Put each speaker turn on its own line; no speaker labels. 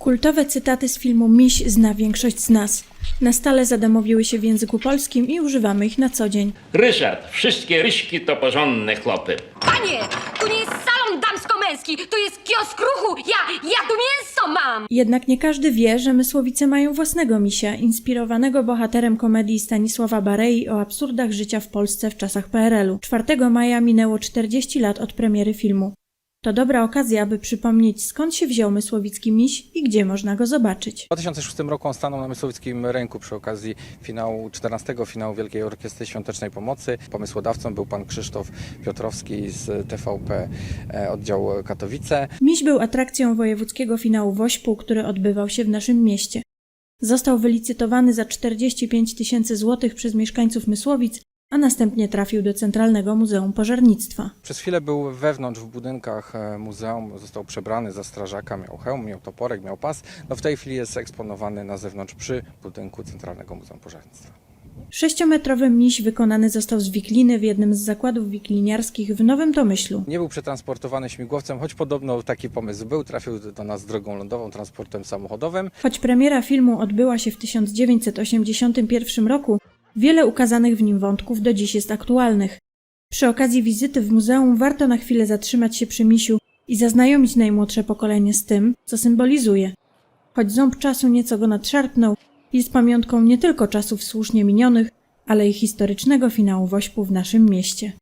Kultowe cytaty z filmu Miś zna większość z nas. Na stale zadomowiły się w języku polskim i używamy ich na co dzień.
Ryszard, wszystkie ryśki to porządne chłopy.
Panie, tu nie jest salon damsko-męski, to jest kiosk ruchu. Ja tu mięso mam.
Jednak nie każdy wie, że Mysłowice mają własnego misia, inspirowanego bohaterem komedii Stanisława Barei o absurdach życia w Polsce w czasach PRL-u. 4 maja minęło 40 lat od premiery filmu. To dobra okazja, aby przypomnieć, skąd się wziął mysłowicki miś i gdzie można go zobaczyć.
W 2006 roku on stanął na Mysłowickim Rynku przy okazji 14. finału Wielkiej Orkiestry Świątecznej Pomocy. Pomysłodawcą był pan Krzysztof Piotrowski z TVP oddział Katowice.
Miś był atrakcją wojewódzkiego finału Wośpu, który odbywał się w naszym mieście. Został wylicytowany za 45 000 złotych przez mieszkańców Mysłowic, a następnie trafił do Centralnego Muzeum Pożarnictwa.
Przez chwilę był wewnątrz w budynkach muzeum, został przebrany za strażaka, miał hełm, miał toporek, miał pas. No w tej chwili jest eksponowany na zewnątrz przy budynku Centralnego Muzeum Pożarnictwa.
6-metrowy miś wykonany został z wikliny w jednym z zakładów wikliniarskich w Nowym Tomyślu.
Nie był przetransportowany śmigłowcem, choć podobno taki pomysł był. Trafił do nas drogą lądową, transportem samochodowym.
Choć premiera filmu odbyła się w 1981 roku, wiele ukazanych w nim wątków do dziś jest aktualnych. Przy okazji wizyty w muzeum warto na chwilę zatrzymać się przy misiu i zaznajomić najmłodsze pokolenie z tym, co symbolizuje. Choć ząb czasu nieco go nadszarpnął, jest pamiątką nie tylko czasów słusznie minionych, ale i historycznego finału Wośpu w naszym mieście.